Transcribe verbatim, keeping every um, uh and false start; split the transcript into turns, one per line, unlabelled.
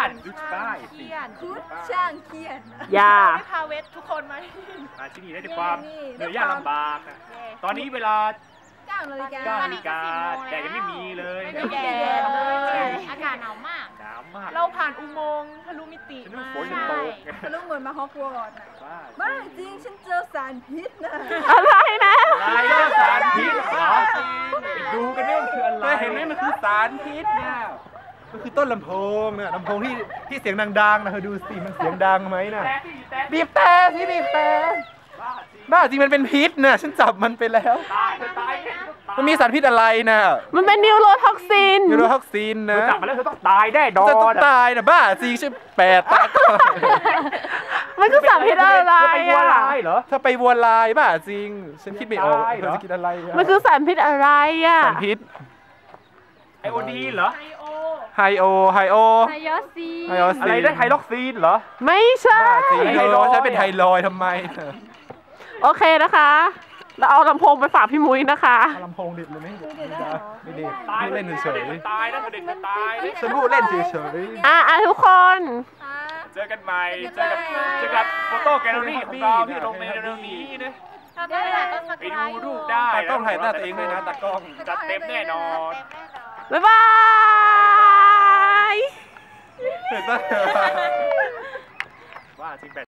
านดูใต้สิ
คุดช่างเขียน
อย่า
ไม่พาเวททุกคนมา
มาที่นี่ได้ด้วยความเหนื่อยยากลำบากนะตอนนี้เวลา
เก้านาฬิกา
เก้านาฬิกาแต่ยังไม่มีเลย
ไม่มีแดดเลยอากาศหนาวมาก
หนาวมาก
เราผ่านอุโมงค์ทะลุมิติ
ฉันนึก
มา
ฝนจะตก
ทะลุเหมือนมาฮอกวอตส์น่ะ
บ้า
บ้าจริงฉันเจอสารพิษนะ
อะไรนะ
อะไรเนี่ยสารพิษเหรอไปดูกันเนี่ยมันคืออะไร
เห็นไหมมันคือสารพิษเนี่ยมันคือต้นลำโพงเนี่ยลำโพงที่ที่เสียงดังๆนะเธอดูสิมันเสียงดังไหมน่ะบีบแต่สิบีบแต่บ้าจริงมันเป็นพิษนะฉันจับมันไปแล้ว
ตายเธอตายแน่
มันมีสารพิษอะไรนะ
มันเป็นนิวโรท็อกซิน
ยูโรท็อกซิน
เธ
นะ
อจับมาแล้วเธอต้องตายแน่ดอ
จะต้อง
น
ตายนะบ้าจริงใช่แปดตา
มันคือสารพิษอะไร
เธอไปวัว
อ่ะ
ลายเหรอ
ถ้าไปวัวลายบ้าจริง ฉันคิดไม่ออก
ตายเห
เธ
รอ
อจะคิดอะไระ
มันคือสารพิษอะไรอ่ะ
สารพิษ
ไอโอดีเหรอ
ไอโอ
ไฮโอไฮโอ
ไฮยอซี
ไฮโอ
อะไรได้ไฮล็อกซีนเหรอ
ไม่ใช่
บ้าจริง
ไฮ
ไฮ
โล
โลฉันเป็นไฮลอยด์ทำไม
โอเคนะคะเราเอาลำโพงไปฝากพี่มุ้ยนะคะ
ลำโพงดิดเลยไหมไม่ได้ไม่ได้
ตาย
พูดเล่นเฉย
ตายนะเด็กมันตายนะ
ๆฉันพูดเล่นเฉย
อ่ะอ่ะทุกคน
เจอกันใหม่เจอกับเจอกับโฟโต้แกลเลอรี่ของเราที่ลงในเร็วๆนี้นะ
เราต้องถ่ายต้นสัก
ไปดูรูปได้
ๆตากล้องถ่ายหน้าตัวเองด้วยนะตากล้อง
จัดเต็มแน่นอน
บ๊ายบาย
เห็นปะ
ว่าจริงแบบ